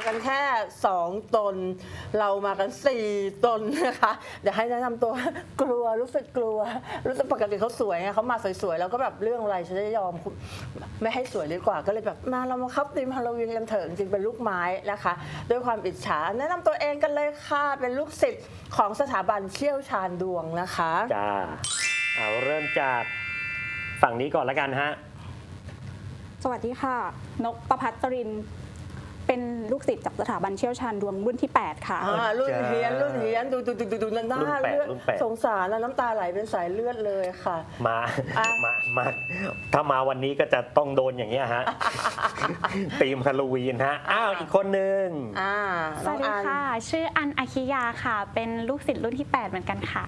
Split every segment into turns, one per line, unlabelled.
กันแค่2 ตนเรามากัน4 ตนนะคะเดี๋ยวให้แนะนำตัวกลัวรู้สึกกลัวรู้สึกปกติเขาสวยไงเขามาสวยๆแล้วก็แบบเรื่องอะไรฉันจะยอมไม่ให้สวยดีกว่าก็เลยแบบมาเรามาคับธีมฮาโลวีนกันเถอะจริงๆเป็นลูกไม้นะคะด้วยความอิจฉาแนะนำตัวเองกันเลยค่ะเป็นลูกศิษย์ของสถาบันเชี่ยวชาญดวงนะคะ
จ้าเอาเริ่มจากฝั่งนี้ก่อนละกันฮะ
สวัสดีค่ะนกประภัตรินเป็นลูกศิษย์จากสถาบันเชี่ยวชาญดวงรุ่นที่ 8 ค่ะ
รุ่นเฮียนดูหน้าเลือดสงสารแล้วน้ำตาไหลเป็นสายเลือดเลยค่ะ
มาถ้ามาวันนี้ก็จะต้องโดนอย่างเงี้ยฮะธีมฮาโลวีนฮะอ้าวอีกคนนึง
สวัสดีค่ะชื่ออันอาคิยาค่ะเป็นลูกศิษย์รุ่นที่ 8เหมือนกันค่ะ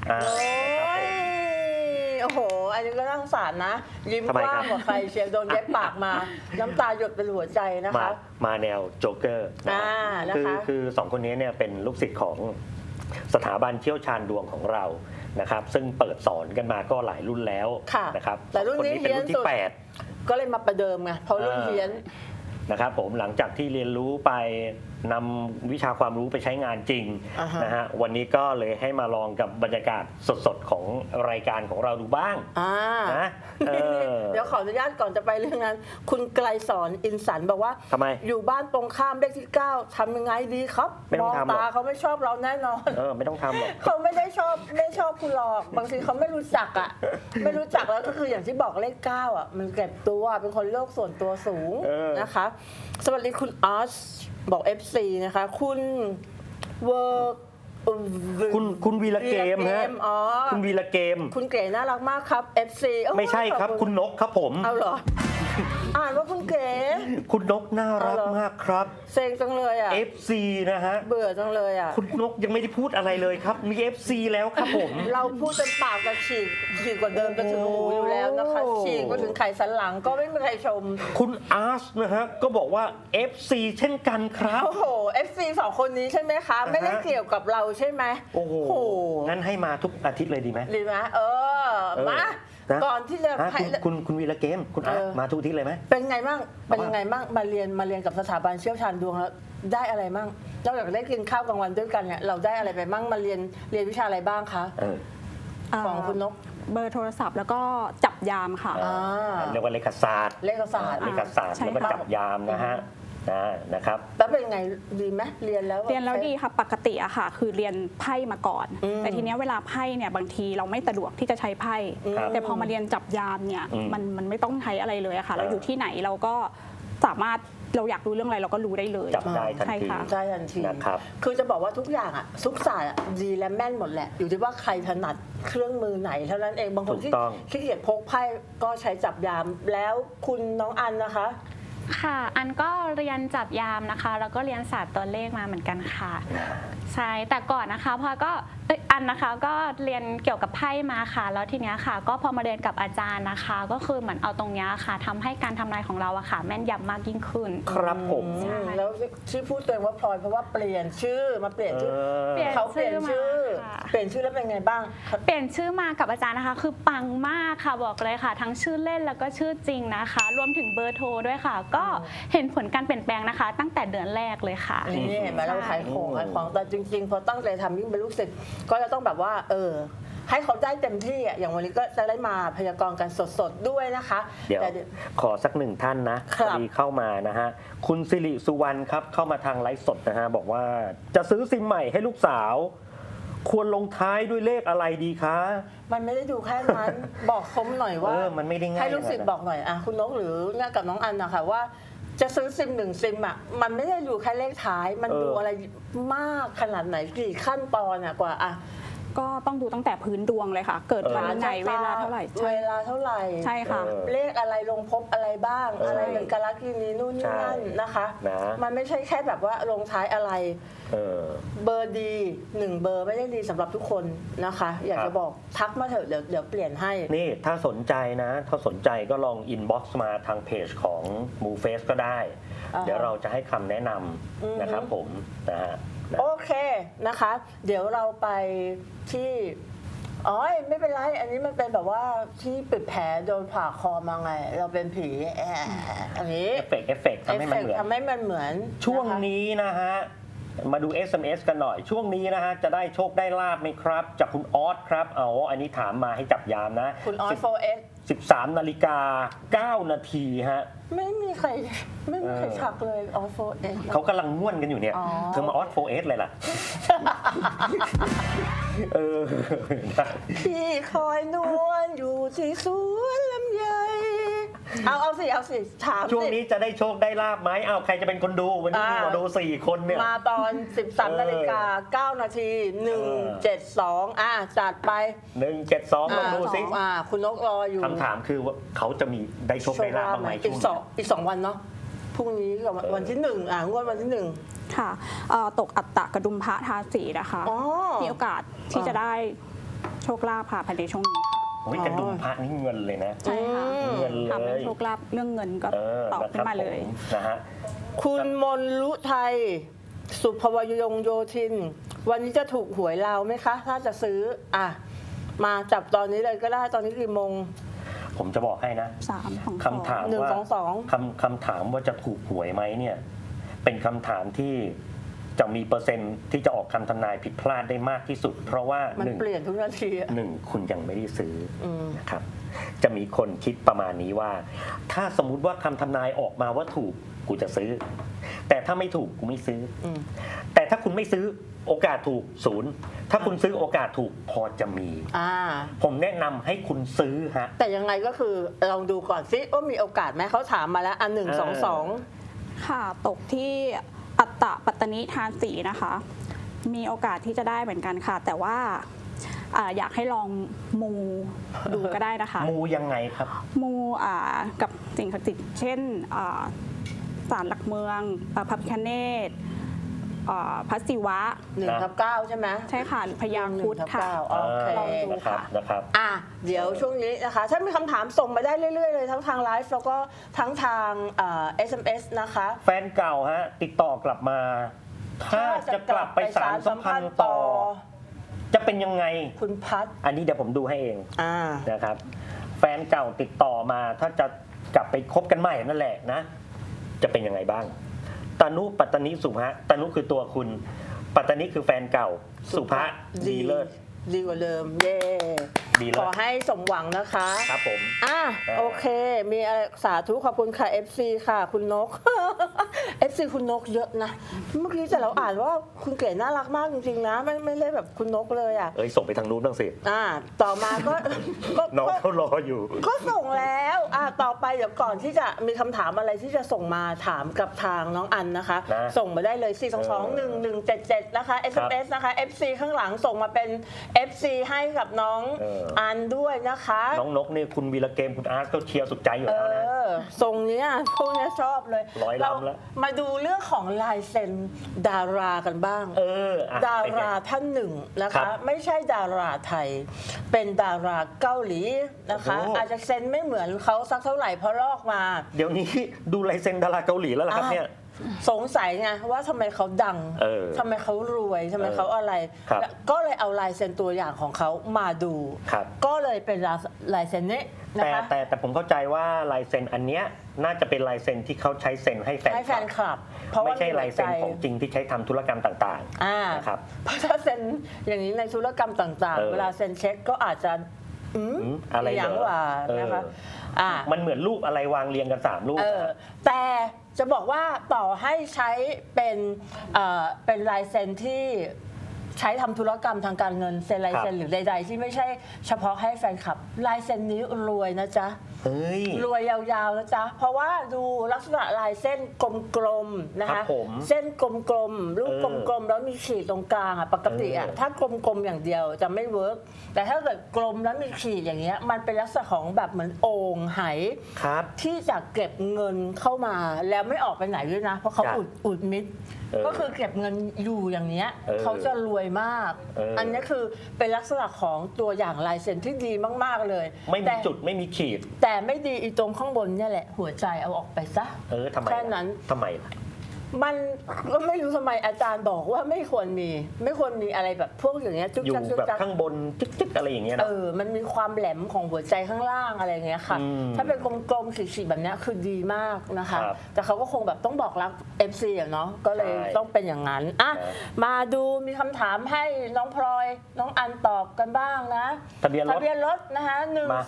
โอ้โหอันนี้ก็น่าสงสารนะยิ้มกว้างกว่าใครเชียร์โดนเย็บปากมาน้ำตาหยดเป็นหัวใจนะคะ
มาแนวโจ๊กเกอร์คือ2 คนนี้เนี่ยเป็นลูกศิษย์ของสถาบันเชี่ยวชาญดวงของเรานะครับซึ่งเปิดสอนกันมาก็หลายรุ่นแล้วนะครับ
แต่รุ่นนี้เป็นรุ่นที่8ก็เลยมาประเดิมไงเพราะรุ่นเฮียน
นะครับผมหลังจากที่เรียนรู้ไปนำวิชาความรู้ไปใช้งานจริงนะฮะวันนี้ก็เลยให้มาลองกับบรรยากาศสดๆของรายการของเราดูบ้างนะ
เดี๋ยวขออนุญาตก่อนจะไปเรื่องนั้นคุณไกลสอนอินสันบอกว่า
ทำไม
อยู่บ้านตรงข้ามเลขที่9ทำยังไงดีครับมองตาเขาไม่ชอบเราแน่นอน
ไม่ต้องทำหรอก
เขาไม่ชอบคุณหรอกบางทีเขาไม่รู้จักอ่ะไม่รู้จักแล้วก็คืออย่างที่บอกเลข9อ่ะมันเก็บตัวเป็นคนโลกส่วนตัวสูงนะคะสวัสดีคุณออสบอก FC นะคะคุณเวิร์ก
คุณวีระเกมฮะคุณวีระเกม
คุณเก๋น่ารักมากครับ FC
ไม่ใช่ครับคุณนกครับผม
เอาเหรออ่านว่าคุณเก๋
คุณนกน่ารักมากครับ
เซ็งจังเลยอ่ะ
FC นะฮะ
เบื่อจังเลยอ่ะ
คุณนกยังไม่ได้พูดอะไรเลยครับมี FC แล้วครับผม
เราพูดจนปากจะฉีกกว่าเดิมจะถึงหูอยู่แล้วนะคะฉีกมาถึงไขสันหลังก็ไม่มีใครชม
คุณอาร์ชนะฮะก็บอกว่า FC เช่นกันครับ
โอ้โห FC 2 คนนี้ใช่ไหมคะไม่ได้เกี่ยวกับเราใช่ไหม
โอ้โหงั้นให้มาทุกอาทิตย์เลยดีไหม
ดีไหมมาก่อนที่จะ
คุณวีระเกมคุณมาทุกที่เลยไหม
เป็นไงบ้างมาเรียนกับสถาบันเชี่ยวชาญดวงแล้วได้อะไรบ้างนอกจากได้กินข้าวกลางวันด้วยกันเนี่ยเราได้อะไรไปบ้างมาเรียนวิชาอะไรบ้างคะของคุณนก
เบอร์โทรศัพท์แล้วก็จับยามค่ะ
เรียกว่าเลขศาสตร์แล้วก็จับยามนะฮะนะครับ
แล้วเป็นไงดีไหมเรียนแล้ว
ดีค่ะปกติอะค่ะคือเรียนไพ่มาก่อนแต่ทีนี้เวลาไพ่เนี่ยบางทีเราไม่สะดวกที่จะใช้ไพ่แต่พอมาเรียนจับยามเนี่ยมันไม่ต้องใช้อะไรเลยอะค่ะเราอยู่ที่ไหนเราก็สามารถเราอยากรู้เรื่องอะไรเราก็รู้ได้เลย
จับได้ทันที
นะครับคือจะบอกว่าทุกอย่างอะทุกศาสตร์ดีและแม่นหมดแหละอยู่ที่ว่าใครถนัดเครื่องมือไหนเท่านั้นเองบางคนที่ขี้เกียจพกไพ่ก็ใช้จับยามแล้วคุณน้องอันนะคะ
ค่ะอันก็เรียนจับยามนะคะแล้วก็เรียนศาสตร์ตัวเลขมาเหมือนกันค่ะใช่แต่ก่อนนะคะพอก็อันนะคะก็เรียนเกี่ยวกับไพ่มาค่ะแล้วทีเนี้ยค่ะก็พอมาเรียนกับอาจารย์นะคะก็คือเหมือนเอาตรงเนี้ยค่ะทำให้การทำนายของเราอะค่ะแม่นยำมากยิ่งขึ้น
ครับผม
แล้วชื่อพูดตัวเองว่าพลอยเพราะว่าเปลี่ยนชื่อมาเปลี่ยนชื่อเขาเปลี่ยนชื่อแล้วเป็นไงบ้าง
เปลี่ยนชื่อมากับอาจารย์นะคะคือปังมากค่ะบอกเลยค่ะทั้งชื่อเล่นแล้วก็ชื่อจริงนะคะรวมถึงเบอร์โทรด้วยค่ะก็เห็นผลการเปลี่ยนแปลงนะคะตั้งแต่เดือนแรกเลยค่ะ
นี่เห็นไหมเราขายของแต่จริงๆพอตั้งใจทำยิ่งเป็นลูกศิษย์ก็จะต้องแบบว่าให้เขาได้เต็มที่อ่ะอย่างวันนี้ก็จะได้มาพยากรณ์กันสดๆด้วยนะคะ
เดี๋ยวขอสัก1 ท่านนะมีเข้ามานะฮะคุณสิริสุวรรณครับเข้ามาทางไลฟ์สดนะฮะบอกว่าจะซื้อซิมใหม่ให้ลูกสาวควรลงท้ายด้วยเลขอะไรดีคะ
มันไม่ได้ดูแค่นั้นบอกคมหน่อยว่า
มันไม่ได้ง่าย
ให้ลูกศิษย์บอกหน่อยคุณนกหรือเนี่ยกับน้องอันนะคะว่าจะซื้อซิม1 ซิมอ่ะมันไม่ได้ดูแค่เลขท้ายมันดูอะไรมากขนาดไหนกี่ขั้นตอนกว่า
ก็ต้องดูตั้งแต่พื้นดวงเลยค่ะเกิดวันไหนเวลาเท่าไหร่ใช่ค่ะ
เลขอะไรลงพบอะไรบ้างอะไรเป็นกาลกินีนู่นนี่นั่นนะคะมันไม่ใช่แค่แบบว่าลงท้ายอะไรเบอร์ดี1 เบอร์ไม่ได้ดีสำหรับทุกคนนะคะอยากจะบอกทักมาเถอะเดี๋ยวเปลี่ยนให้
นี่ถ้าสนใจนะถ้าสนใจก็ลองอินบ็อกซ์มาทางเพจของ MooFace ก็ได้เดี๋ยวเราจะให้คำแนะนำนะครับผมนะฮะ
โอเคนะคะเดี๋ยวเราไปที่อ๋อไม่เป็นไรอันนี้มันเป็นแบบว่าที่ปิดแผลโดนผ่าคอมาไงเราเป็นผีอันนี้
เอฟเฟกต์ทำให้มันเหมือน
ทำให้มันเหมือน
ช่วง
ะคะ
นี้นะฮะมาดู SMS กันหน่อยช่วงนี้นะฮะจะได้โชคได้ลาบไหมครับจากคุณออสครับอันนี้ถามมาให้จับยามนะ
คุณออส 4S
13 นาฬิกา 9 นาทีฮะ
ไม่มีใครทักเลยออส 4S
เขากำลังม่วนกันอยู่เนี่ย
อ๋อ
เธอมาออส 4S เลยล่ะ นะ
พี่คอยนวลอยู่ที่สวนลำไยเอาสิถามสิ
ช่วงนี้จะได้โชคได้ลาบไหมใครจะเป็นคนดูวันนี้มีมาดู4 คนเนี่ย
มาตอน 13 นาฬิกา 9 นาที 172จัดไป
172ลองดูสิ
คุณนกรออยู่
คำถามคือว่าเขาจะมีได้โชคได้ลาบบ้างไหม
อี
ช่วง
อีก 2 วันเนาะพรุ่งนี้กับวันที่1งวดวันที่ 1
ค่ะตกอัตตะกระดุมพระทาสีนะคะ
อ๋อ
มีโอกาสที่จะได้โชคลาภค่ะภายในช่วงนี้ค่ะ
โอ้ยกระดุมพระนี่เงินเลยนะ
ใช่ค่ะ
เงินเลย
ทำให้โชคลาภเรื่องเงินก็ตอบขึ้นมาเลย
นะฮะ
คุณมนลุไทย สุภวยงโยธิน วันนี้จะถูกหวยเราไหมคะ ถ้าจะซื้อมาจับตอนนี้เลยก็ได้ตอนนี้กี่โมง
ผมจะบอกให้นะ
3 ของ
คำถาม
1
ว่า
2 2
คำถามว่าจะถูกหวยไหมเนี่ยเป็นคำถามที่จะมีเปอร์เซ็นต์ที่จะออกคำทำนายผิดพลาดได้มากที่สุด เพราะว่า
มัน
หนึ่ง
เปลี่ยนทุกนาทีอะ
หนึ่งคุณยังไม่ได้ซื้ออ
ม
นะครับจะมีคนคิดประมาณนี้ว่า ถ้าสมมุติว่าคำทำนายออกมาว่าถูกกูจะซื้อ แต่ถ้าไม่ถูกกูไม่ซื้ออ
ม
แต่ถ้าคุณไม่ซื้อโอกาสถูกศูนย์ถ้าคุณซื้อโอกาสถูกพอจะมี ผมแนะนำให้คุณซื้อฮะ
แต่ยังไงก็คือลองดูก่อนซิว่ามีโอกาสไหมเขาถามมาแล้ว1 2 2
ค่ะตกที่อัตตะปัตตนิทานสีนะคะ มีโอกาสที่จะได้เหมือนกันค่ะ แต่ว่าอยากให้ลองมูดูก็ได้นะคะ
มูยังไงครับ
มูกับสิ่งศักดิ์สิทธิ์เช่นศาลหลักเมืองพระพิฆเนศพระศิวะ
1/9 ใช่ไหม
ใช่ค่ะหรือพญาครุฑค่ะ
โอเค
ลองดู
นะครับ
ค่ะ
นะครับ
เดี๋ยวช่วงนี้นะคะ ถ้ามีคำถามส่งมาได้เรื่อยๆเลยทั้งทางไลฟ์แล้วก็ทั้งทางSMS นะคะ
แฟนเก่าฮะติดต่อกลับมา ถ้าจะกลับไปสารสัมพันธ์ต่อ จะเป็นยังไง
คุณพัฒ
อันนี้เดี๋ยวผมดูให้เอง
อ่า
นะครับ แฟนเก่าติดต่อมาถ้าจะกลับไปคบกันใหม่นั่นแหละนะ จะเป็นยังไงบ้างตานุปัตตนิสุภะตานุคือตัวคุณ ปัตตนิคือแฟนเก่า สุภะดีเลิศ
ดีกว่าเดิม เย่
ดีเลิศ
ขอให้สมหวังนะคะ
ครับผม
โอเค มีอะไรสาธุขอบคุณค่ะ FC ค่ะคุณนก FC คุณนกเยอะนะ เมื่อกี้แต่เราอ่านว่าคุณเก๋น่ารักมากจริงๆนะ ไม่ได้แบบคุณนกเลยอ่ะ
ส่งไปทางนู้นบ้างสิ
ต่อมาก็
น้องเขารออยู่
ก็ส่งแล้วต่อไปเดี๋ยวก่อนที่จะมีคำถามอะไรที่จะส่งมาถามกับทางน้องอันนะคะ
นะ
ส่งมาได้เลย 4221177 นะคะ SMS นะคะ FC ข้างหลังส่งมาเป็น FC ให้กับน้องอันด้วยนะคะ
น้องนกนี่คุณวีระเกมคุณอาร์ตก็เชียร์สุดใจอยู่แล้วนะ
ทรงเนี้ยพวกเนี้ยชอบเลย
ร้อยลำแล้ว
มาดูเรื่องของลายเซ็นดารากันบ้าง ดาราท่านหนึ่งนะ
ครั
คะ
บ
ไม่ใช่ดาราไทย เป็นดาราเกาหลีนะคะ
โอ้
อาจจะเซ็นไม่เหมือนเขาสักเท่าไหร่เพราะลอกมา
เดี๋ยวนี้ดูลายเซ็นดาราเกาหลีแล้วล่ะครับเนี่ย
สงสัยไงว่าทำไมเขาดัง ทำไมเขารวยทำไมเขาอะไร
ครับ
ก็เลยเอาลายเซ็นตัวอย่างของเขามาดู
ครับ
ก็เลยเป็นลายเซ็นนี้นะคะ
แต่ผมเข้าใจว่าลายเซ็นอันเนี้ยน่าจะเป็นลายเซ็นที่เขาใช้เซ็นให้แฟน
ให้แฟนคลับ เพราะ
ไม่
ว่า
ใช่ลายเซ็นของจริงที่ใช้ทำธุรกรรมต่างๆนะครับ
เพราะถ้าเซ็นอย่างนี้ในธุรกรรมต่างๆ เวลาเซ็นเช็คก็อาจจะ
อะไรเหรอ
อย่างว่านะคะ
มันเหมือนรูปอะไรวางเรียงกัน3รูป
แต่จะบอกว่าต่อให้ใช้เป็นลายเซ็นที่ใช้ทำธุรกรรมทางการเงินเซ็นลายเซ็นหรือใดๆที่ไม่ใช่เฉพาะให้แฟนคลับลายเซ็นนี้รวยนะจ๊ะ
เฮ้ย
รวยยาวๆนะจ๊ะ เพราะว่าดูลักษณะลายเส้นกลมๆนะ
ครั
คะ
บผม
เส้นกลมๆรูปกลมๆแล้วมีขีดตรงกลางปกติถ้ากลมๆอย่างเดียวจะไม่เวิร์กแต่ถ้าเกิดกลมแล้วมีขีดอย่างเงี้ยมันเป็นลักษณะของแบบเหมือนโอ่งไห
ครับ
ที่จะเก็บเงินเข้ามาแล้วไม่ออกไปไหนด้วยนะ เพราะเขา
จ้ะ
อุดมิดก็คือเก็บเงินอยู่อย่างเนี้ยเขาจะรวยมาก อันนี้คือเป็นลักษณะของตัวอย่างลายเซ็นที่ดีมากๆเลย
ไม่มีจุดไม่มีขีด
แต่ไม่ดีอีตรงข้างบนเนี่ยแหละ หัวใจเอาออกไปซะ
ทำไม
แค่นั้น
ทำไมล่ะ
มันก็ไม่รู้ทำไมอาจารย์บอกว่าไม่ควรมีอะไรแบบพวกอย่างเงี้ยจุก
อยู่
จักจุก
แบบ
จัก
ข้างบนจึ๊กๆอะไรอย่างเงี้ยเนอะ
มันมีความแหลมของหัวใจข้างล่างอะไรอย่างเงี้ยค่ะ
อืม
ถ้าเป็นกลมๆสีๆแบบเนี้ยคือดีมากนะคะ
ครับ
แต่เขาก็คงแบบต้องบอกรัก FC อะเนาะก็เลย
ใช่
ต้องเป็นอย่างนั้นอ่ะ
ครับ
มาดูมีคำถามให้น้องพลอยน้องอันตอบกันบ้างนะ
ทะเบียนรถ
ทะเบียนรถนะคะ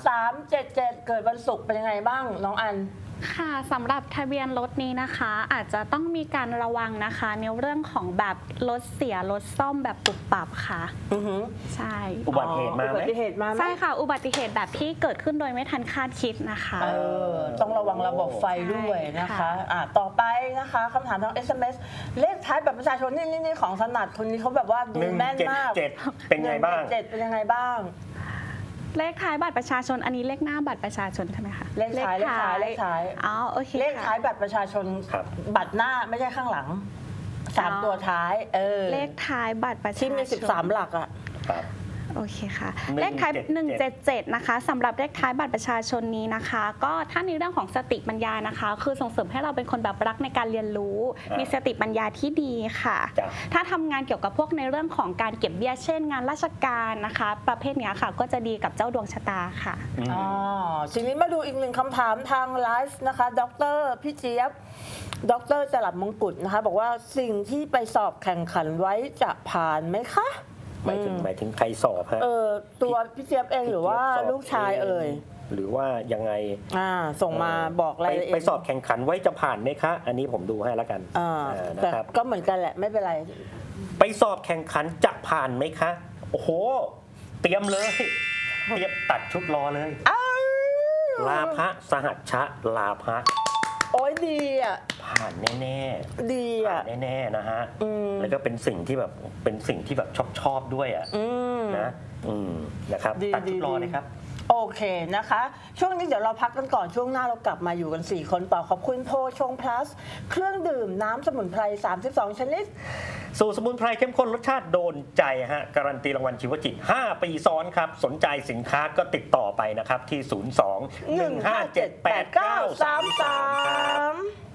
1377เกิดวันศุกร์เป็นยังไงบ้างน้องอัน
ค่ะสำหรับทะเบียนรถนี้นะคะ อาจจะต้องมีการระวังนะคะในเรื่องของแบบรถเสียรถซ่อมแบบปุบปับค่ะ
อือหือ
ใช่
อุบัติเหตุมาไหม
อุบัติเหตุมาไหม
ใช่ค่ะ อุบัติเหตุแบบที่เกิดขึ้นโดยไม่ทันคาดคิดนะคะ
ต้องระวังระบบไฟด้วยนะคะ
ใช่ค่ะ
ต่อไปนะคะคำถามทาง SMS เลขท้ายแบบประชาชนนี่ของถนัดคนนี้เขาแบบว่าดูแม่นมาก
177เป็นไงบ้าง
177เป็นยังไงบ้าง
เลขท้ายบัตรประชาชนอันนี้เลขหน้าบัตรประชาชนใช่ไหมคะ
เลขท้าย
อ๋อโอเค
เลขท้าย
ค่ะ
บัตรประชาชน
ครับ
บัตรหน้าไม่ใช่ข้างหลังสาม
อ๋อ
ตัวท้าย
เลขท้ายบัตรประชาชน
ที่มี13 หลักอ่ะ
ครับ
โอเคค่ะ
177
เลขท้าย177นะคะสำหรับเลขท้ายบัตรประชาชนนี้นะคะ ก็ถ้าในเรื่องของสติปัญญานะคะ คือส่งเสริมให้เราเป็นคนแบบรักในการเรียนรู้
อ่ามี
มีสติปัญญาที่ดีค่ะ
จ้ะ
ถ้าทำงานเกี่ยวกับพวกในเรื่องของการเก็บเบี้ยเช่น งานราชการนะคะ ประเภทเนี้ยค่ะ ก็จะดีกับเจ้าดวงชะตาค่ะ
ทีนี้มาดูอีกหนึ่งคำถามทางไลฟ์นะคะ ดรพี่เจี๊ยบ ดรจรัสมงกุฎนะคะ บอกว่าสิ่งที่ไปสอบแข่งขันไว้จะผ่านไหมคะ
หมายถึงใครสอบฮะ
ตัวพี่เจี๊ยบเองหรือว่าลูกชายเอ่ย
หรือว่ายังไง
ส่งมาบอกรายละเอียด
ไปสอบแข่งขันไว้จะผ่านไหมคะ อันนี้ผมดูให้แล้วกันนะ
แต่
ครับ
ก็เหมือนกันแหละไม่เป็นไร
ไปสอบแข่งขันจะผ่านไหมคะ โอ้โห เตรียมเลย เตรียมตัดชุดรอเลย ลาภะสหัชชะลาภะ
โอ้ยดีอ่ะ
ผ่านแน่
ดี
ๆผ่า
อ่ะ
นแน่ๆนะฮะ แล้วก็เป็นสิ่งที่แบบชอบด้วยอ่ะนะนะครับ
ดี
ตัดชุดรอ
ดี
นะครับ
โอเคนะคะ ช่วงนี้เดี๋ยวเราพักกันก่อนช่วงหน้าเรากลับมาอยู่กัน 4 คนต่อขอบคุณโพชงพลัสเครื่องดื่มน้ำสมุนไพร 32 ชนิด
สูตรสมุนไพรเข้มข้นรสชาติโดนใจฮะ การันตีรางวัลชีวจิต 5 ปีซ้อนครับ สนใจสินค้าก็ติดต่อไปนะครับที่ 02 157 8933 ครับ
1578933